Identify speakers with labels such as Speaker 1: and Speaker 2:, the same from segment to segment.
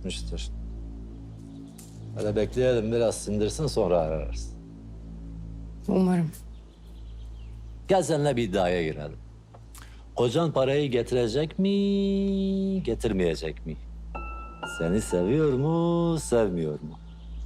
Speaker 1: etmiştir. Hele bekleyelim biraz sindirsin sonra ararız.
Speaker 2: Umarım.
Speaker 1: Gel seninle bir iddiaya girelim. Kocan parayı getirecek mi, getirmeyecek mi? Seni seviyor mu, sevmiyor mu?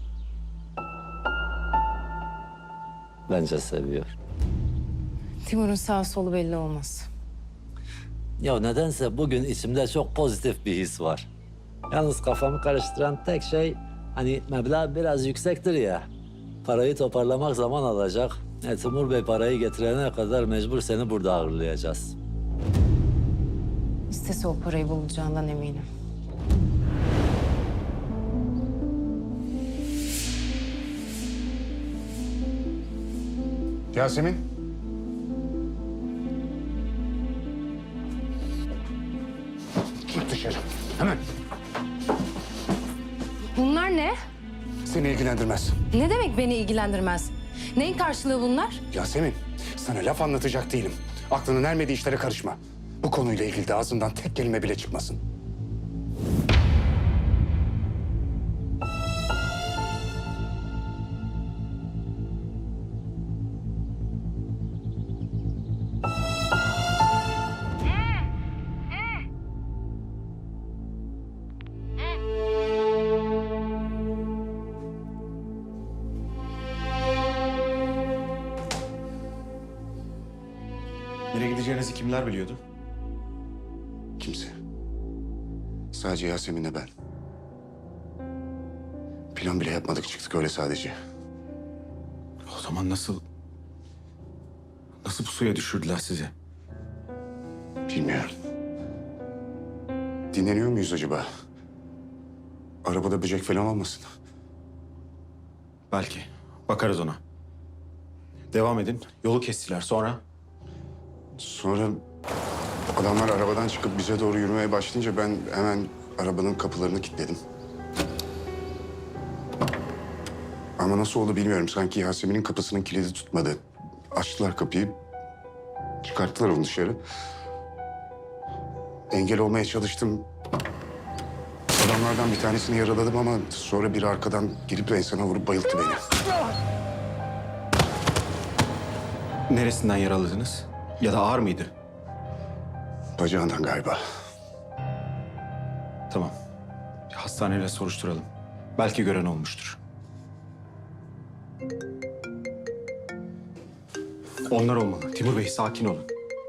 Speaker 1: Bence seviyor.
Speaker 2: Timur'un sağ solu belli olmaz.
Speaker 1: Ya nedense bugün içimde çok pozitif bir his var. Yalnız kafamı karıştıran tek şey hani meblağ biraz yüksektir ya. Parayı toparlamak zaman alacak. Timur Bey parayı getirene kadar mecbur seni burada ağırlayacağız.
Speaker 2: İstese o parayı bulacağından eminim.
Speaker 3: Yasemin. Git dışarı. Hemen.
Speaker 2: Bunlar ne?
Speaker 3: Seni ilgilendirmez.
Speaker 2: Ne demek beni ilgilendirmez? Neyin karşılığı bunlar?
Speaker 3: Yasemin, sana laf anlatacak değilim. Aklının ermediği işlere karışma. Bu konuyla ilgili de ağzından tek kelime bile çıkmasın.
Speaker 4: Nereye gideceğinizi kimler biliyordu?
Speaker 3: Kimse. Sadece Yasemin'le ben. Plan bile yapmadık, çıktık öyle sadece.
Speaker 4: O zaman nasıl bu suya düşürdüler sizi?
Speaker 3: Bilmiyorum. Dinleniyor muyuz acaba? Arabada böcek falan olmasın.
Speaker 4: Belki. Bakarız ona. Devam edin. Yolu kestiler. Sonra?
Speaker 3: Sonra adamlar arabadan çıkıp bize doğru yürümeye başlayınca ben hemen arabanın kapılarını kilitledim. Ama nasıl oldu bilmiyorum. Sanki Yasemin'in kapısının kilidi tutmadı. Açtılar kapıyı. Çıkarttılar onu dışarı. Engel olmaya çalıştım. Adamlardan bir tanesini yaraladım ama sonra biri arkadan girip enseme vurup bayılttı beni.
Speaker 4: Neresinden yaraladınız? Ya da ağır mıydı?
Speaker 3: Bacağından galiba.
Speaker 4: Tamam. Bir hastaneyle soruşturalım. Belki gören olmuştur. Onlar olmalı. Timur Bey sakin olun.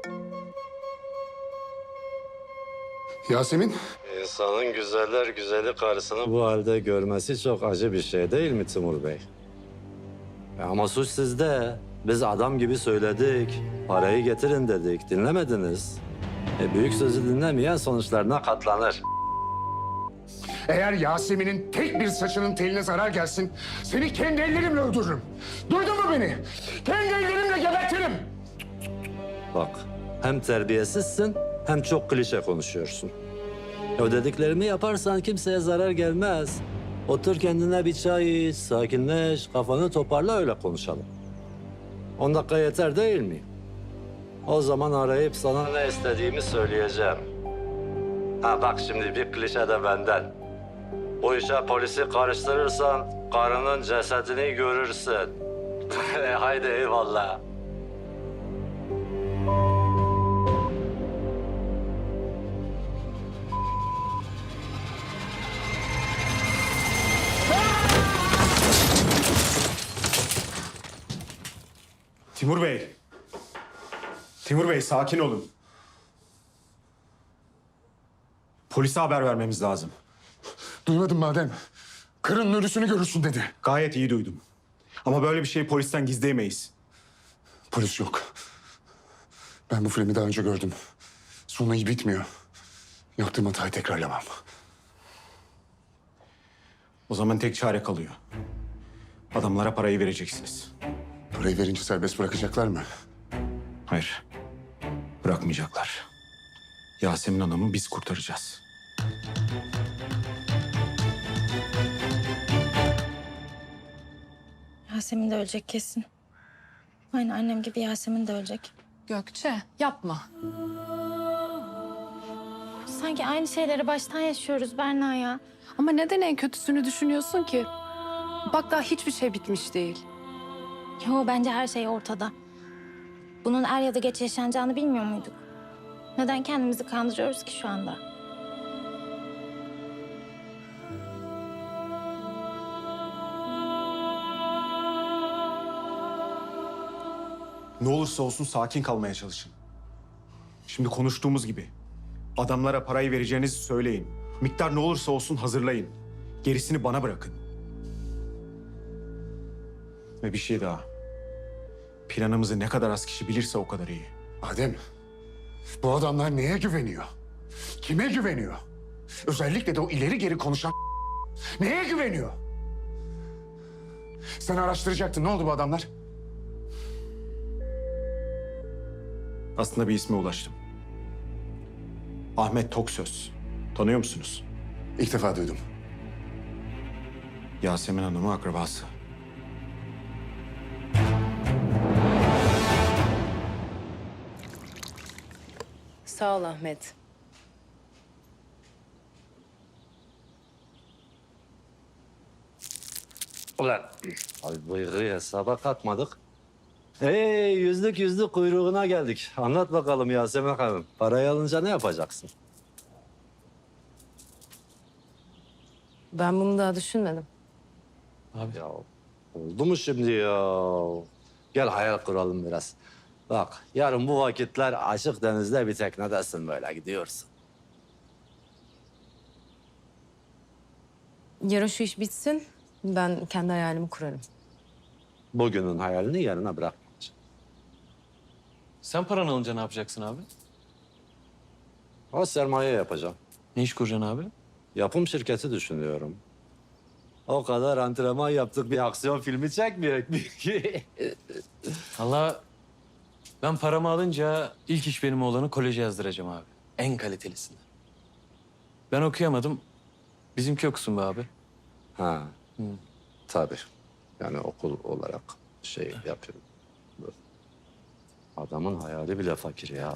Speaker 3: Yasemin.
Speaker 1: İnsanın güzeller güzeli karısını bu halde görmesi çok acı bir şey değil mi Timur Bey? Ama suç sizde. Biz adam gibi söyledik. Parayı getirin dedik. Dinlemediniz. Büyük sözü dinlemeyen sonuçlarına katlanır.
Speaker 3: Eğer Yasemin'in tek bir saçının teline zarar gelsin, seni kendi ellerimle öldürürüm. Duydun mu beni? Kendi ellerimle gebertirim.
Speaker 1: Bak, hem terbiyesizsin hem çok klişe konuşuyorsun. O dediklerimi yaparsan kimseye zarar gelmez. Otur kendine bir çay iç, sakinleş, kafanı toparla öyle konuşalım. 10 dakika yeter değil mi? O zaman arayıp sana ne istediğimi söyleyeceğim. Ha bak şimdi bir klişe de benden. Bu işe polisi karıştırırsan karının cesedini görürsün. Haydi eyvallah.
Speaker 4: Timur Bey. Timur Bey sakin olun. Polise haber vermemiz lazım.
Speaker 3: Duymadın madem. Kırın ölüsünü görürsün dedi.
Speaker 4: Gayet iyi duydum. Ama böyle bir şeyi polisten gizleyemeyiz.
Speaker 3: Polis yok. Ben bu filmi daha önce gördüm. Sonu iyi bitmiyor. Yaptığım hatayı tekrarlamam.
Speaker 4: O zaman tek çare kalıyor. Adamlara parayı vereceksiniz.
Speaker 3: Parayı verince serbest bırakacaklar mı?
Speaker 4: Hayır. Bırakmayacaklar. Yasemin Hanım'ı biz kurtaracağız.
Speaker 5: Yasemin de ölecek kesin. Aynı annem gibi Yasemin de ölecek.
Speaker 2: Gökçe yapma.
Speaker 5: Sanki aynı şeyleri baştan yaşıyoruz Berna ya.
Speaker 6: Ama neden en kötüsünü düşünüyorsun ki? Bak daha hiçbir şey bitmiş değil.
Speaker 5: Yo, bence her şey ortada. Bunun er ya da geç yaşanacağını bilmiyor muyduk? Neden kendimizi kandırıyoruz ki şu anda?
Speaker 4: Ne olursa olsun sakin kalmaya çalışın. Şimdi konuştuğumuz gibi. Adamlara parayı vereceğinizi söyleyin. Miktar ne olursa olsun hazırlayın. Gerisini bana bırakın. Ve bir şey daha. Planımızı ne kadar az kişi bilirse o kadar iyi.
Speaker 3: Adem, bu adamlar neye güveniyor? Kime güveniyor? Özellikle de o ileri geri konuşan neye güveniyor? Sen araştıracaktın. Ne oldu bu adamlar?
Speaker 4: Aslında bir isme ulaştım. Ahmet Toksöz. Tanıyor musunuz?
Speaker 3: İlk defa duydum.
Speaker 4: Yasemin Hanım'ın akrabası.
Speaker 2: Sağ ol Ahmet.
Speaker 1: Ulan abi bıyığı hesaba katmadık. Yüzlük kuyruğuna geldik. Anlat bakalım Yasemin Hanım. Parayı alınca ne yapacaksın?
Speaker 2: Ben bunu daha düşünmedim.
Speaker 1: Ya oldu mu şimdi ya? Gel hayal kuralım biraz. Bak yarın bu vakitler açık denizde bir teknedesin böyle gidiyorsun.
Speaker 2: Yarın şu iş bitsin. Ben kendi hayalimi kurarım.
Speaker 1: Bugünün hayalini yarına bırakmayacağım.
Speaker 7: Sen paranı alınca ne yapacaksın abi?
Speaker 1: O sermaye yapacağım.
Speaker 7: Ne iş kuracaksın abi?
Speaker 1: Yapım şirketi düşünüyorum. O kadar antrenman yaptık bir aksiyon filmi çekmeyecek mi ki?
Speaker 7: Allah ben paramı alınca ilk iş benim oğlanı koleje yazdıracağım abi. En kalitelisini. Ben okuyamadım. Bizimki okusun be abi.
Speaker 1: Ha. Tabii. Yani okul olarak şey yapıyorum. Adamın hayali bile fakir ya.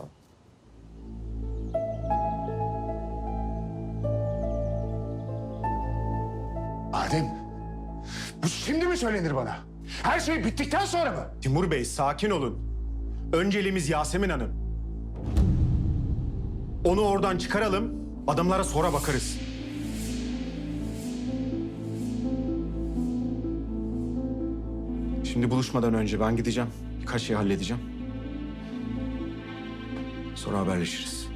Speaker 3: Adem, bu şimdi mi söylenir bana? Her şey bittikten sonra mı?
Speaker 4: Timur Bey sakin olun. Önceliğimiz Yasemin Hanım. Onu oradan çıkaralım, adamlara sonra bakarız. Şimdi buluşmadan önce ben gideceğim. Birkaç şey halledeceğim. Sonra haberleşiriz.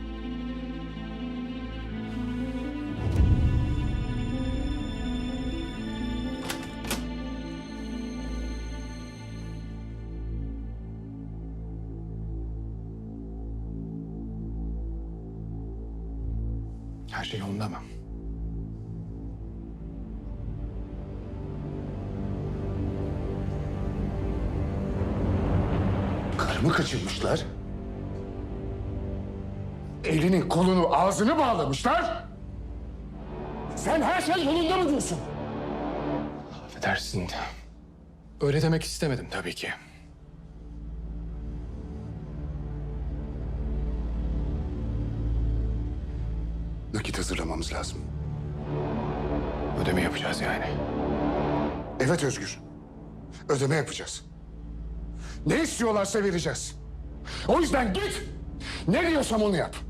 Speaker 3: Her şey yolunda mı? Karımı kaçırmışlar. Elini, kolunu, ağzını bağlamışlar. Sen her şey yolunda mı diyorsun?
Speaker 8: Affedersin. Öyle demek istemedim tabii ki.
Speaker 3: Nakit hazırlamamız lazım.
Speaker 8: Ödeme yapacağız yani.
Speaker 3: Evet Özgür. Ödeme yapacağız. Ne istiyorlarsa vereceğiz. O yüzden git. Ne diyorsam onu yap.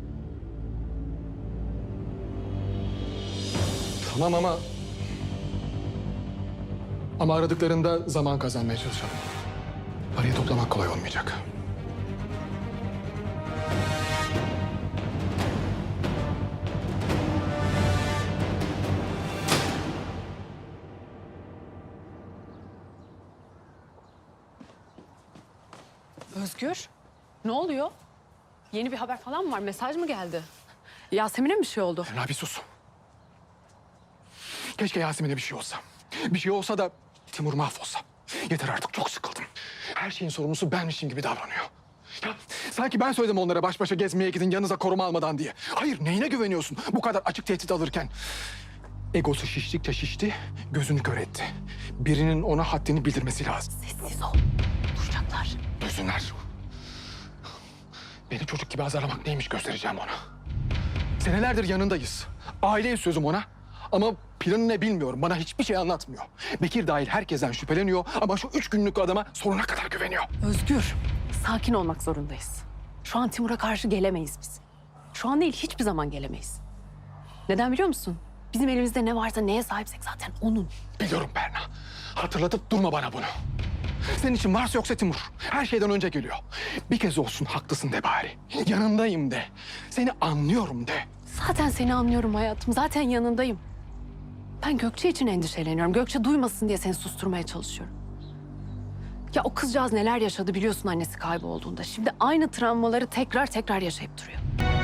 Speaker 8: Tamam ama aradıklarında zaman kazanmaya çalışalım. Parayı toplamak kolay olmayacak.
Speaker 6: Özgür, ne oluyor? Yeni bir haber falan mı var? Mesaj mı geldi? Yasemin'e mi bir şey oldu?
Speaker 8: Emrah bir sus. Keşke Yasemin'e bir şey olsa. Bir şey olsa da Timur mahvolsa. Yeter artık, çok sıkıldım. Her şeyin sorumlusu benmişim gibi davranıyor. Ya sanki ben söyledim onlara baş başa gezmeye gidin yanınıza koruma almadan diye. Hayır, neyine güveniyorsun bu kadar açık tehdit alırken? Egosu şiştikçe şişti, gözünü kör etti. Birinin ona haddini bildirmesi lazım.
Speaker 6: Sessiz ol. Duyacaklar.
Speaker 8: Duysunlar. Beni çocuk gibi azarlamak neymiş göstereceğim ona. Senelerdir yanındayız. Aileyiz sözüm ona. Ama planı ne bilmiyorum. Bana hiçbir şey anlatmıyor. Bekir dahil herkesten şüpheleniyor ama şu 3 günlük adama sonuna kadar güveniyor.
Speaker 6: Özgür, sakin olmak zorundayız. Şu an Timur'a karşı gelemeyiz biz. Şu an değil, hiçbir zaman gelemeyiz. Neden biliyor musun? Bizim elimizde ne varsa, neye sahipsek zaten onun.
Speaker 8: Biliyorum Berna. Hatırlatıp durma bana bunu. Senin için varsa yoksa Timur. Her şeyden önce geliyor. Bir kez olsun haklısın de bari. Yanındayım de. Seni anlıyorum de.
Speaker 6: Zaten seni anlıyorum hayatım. Zaten yanındayım. Ben Gökçe için endişeleniyorum. Gökçe duymasın diye seni susturmaya çalışıyorum. Ya o kızcağız neler yaşadı biliyorsun annesi kaybolduğunda. Şimdi aynı travmaları tekrar yaşayıp duruyor.